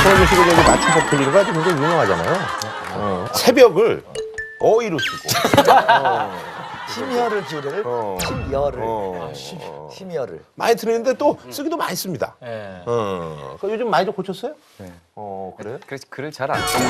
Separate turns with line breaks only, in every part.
손흥민 씨가 저기 맞춤법 틀리는 거 아주 굉장히 유명하잖아요. 새벽을 어이로 쓰고.
심혈을 기울여를 심열을 심열을
많이 틀리는데 또 쓰기도 많이 씁니다.
예.
요즘 많이 좀 고쳤어요?
네.
그래요?
그래서 글을 잘 안 써요.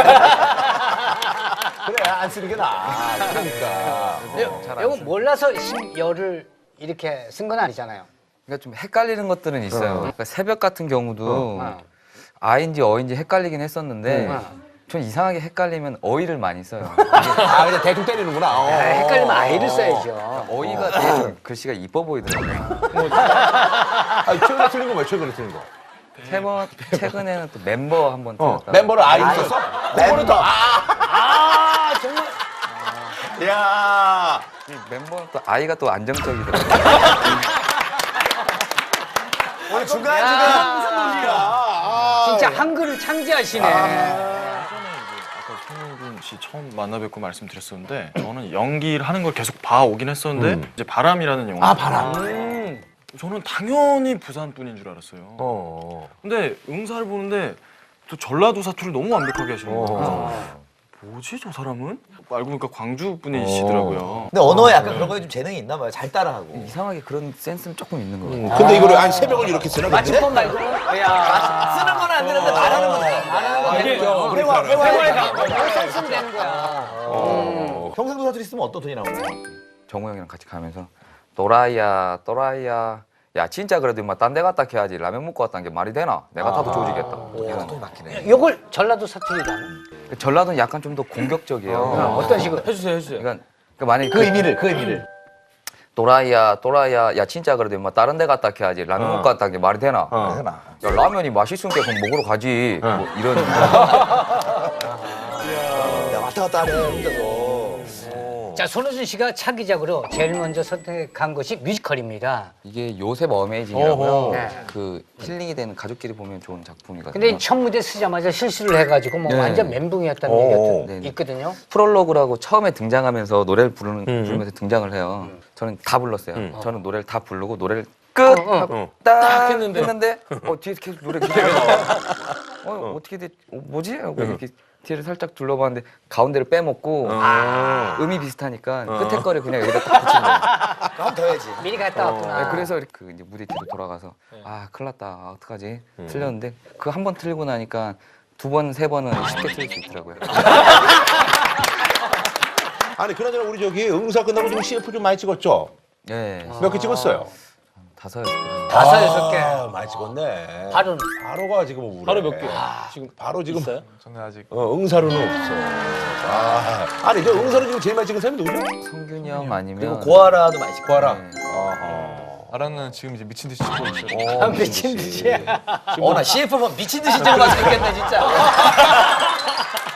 그래, 안 쓰는 게 나아. 그러니까.
이거 몰라서 심열을 이렇게 쓴 건 아니잖아요.
그러니까 좀 헷갈리는 것들은 있어요. 그러니까 새벽 같은 경우도 아인지 어인지 헷갈리긴 했었는데 전 이상하게 헷갈리면 어이를 많이 써요.
그냥 대충 때리는구나.
헷갈리면 아이를 써야죠.
어이가 되게 좀 글씨가 이뻐 보이더라고요.
최근에 틀린 거 뭐야, 최근에 틀린 거?
최근에는 또 멤버 한번 틀렸다.
멤버를 아이 썼어? 멤버를 더
정말.
야
멤버는 또 아이가 또 안정적이더라고요.
오늘 중간중간
진짜 한글을 창제하시네.
손흥민 씨 처음 만나 뵙고 말씀드렸었는데 저는 연기를 하는 걸 계속 봐오긴 했었는데 이제 바람이라는 영화
바람.
저는 당연히 부산 분인 줄 알았어요. 근데 응사를 보는데 또 전라도 사투를 너무 완벽하게 하시는 거예요. 뭐지 저 사람은? 알고 보니까 광주 분이시더라고요.
근데 언어에 약간 그런 거에 좀 재능이 있나 봐요. 잘 따라하고.
이상하게 그런 센스는 조금 있는 것 같아요.
근데 이거를 아니 새벽을 이렇게 쓰나?
맞춤법 말고는 야.
쓰는 건 안 되는데 말하는 건 돼.
말하는 거 되죠.
회화에
뭘 쓰면 되는 거야.
경상도 사투리 쓰면 어떤 톤이 나오나요?
정우 형이랑 같이 가면서 또라이야 또라이야 야 진짜 그래도 인마 딴 데 갔다 해야지 라면 먹고 왔다는 게 말이 되나? 내가 타도 조지겠다. 이런.
톤이 막히네.
이걸 전라도 사투리라는
전라도는 약간 좀 더 공격적이에요.
어떤 식으로?
해주세요.
그러니까 만약에
그 의미를.
또라이야 또라이야 야 진짜 그래도 인마 다른 데 갔다 해야지 라면 먹고 왔다는 게 말이 되나?
그러나.
야 라면이 맛있으니까 그럼 먹으러 가지. 뭐 이런.
야, 왔다 갔다 하네, 혼자서.
자, 손호준 씨가 차기작으로 제일 먼저 선택한 것이 뮤지컬입니다.
이게 요셉 어메이징이라고요.
네.
그 힐링이 되는 가족끼리 보면 좋은 작품이거든요.
근데 첫 무대 쓰자마자 실수를 해가지고 뭐
네.
완전 멘붕이었다는 얘기가
네.
있거든요.
프롤로그라고 처음에 등장하면서 노래를 부르면서 등장을 해요. 저는 다 불렀어요. 저는 노래를 다 부르고 노래를 끝 하고 딱 했는데 뒤에서 계속 노래 기다려. 어떻게 돼? 뭐지? 하고 이렇게 뒤를 살짝 둘러봤는데 가운데를 빼먹고 음이 비슷하니까 끝에 거를 그냥 여기다 딱 붙인 거예요.
그럼 더 해야지.
미리 갔다 왔구나.
네, 그래서 이렇게 이제 무대 뒤로 돌아가서 아 큰일 났다. 아, 어떡하지? 틀렸는데 그 한 번 틀리고 나니까 두 번, 세 번은 쉽게 틀릴 수 있더라고요.
아니 그나저나 우리 저기 응사 끝나고 지금 CF 좀 많이 찍었죠?
네.
몇 개 찍었어요?
5개.
5-6개.
많이 찍었네.
바로는?
바로가 지금 우울해.
바로 몇 개?
지금 바로 지금
있어요?
저는 아직
응사로는 없어. 아니 저 응사로 지금 제일 많이 찍은 사람이 누구죠?
성균이 형
그리고
아니면
고아라도 많이 찍고.
구하라.
네.
아라는 지금 이제 미친 듯이 찍고 있어요.
미친 듯이.
나 CF 보면 미친 듯이 찍어가지고 있겠네, 진짜.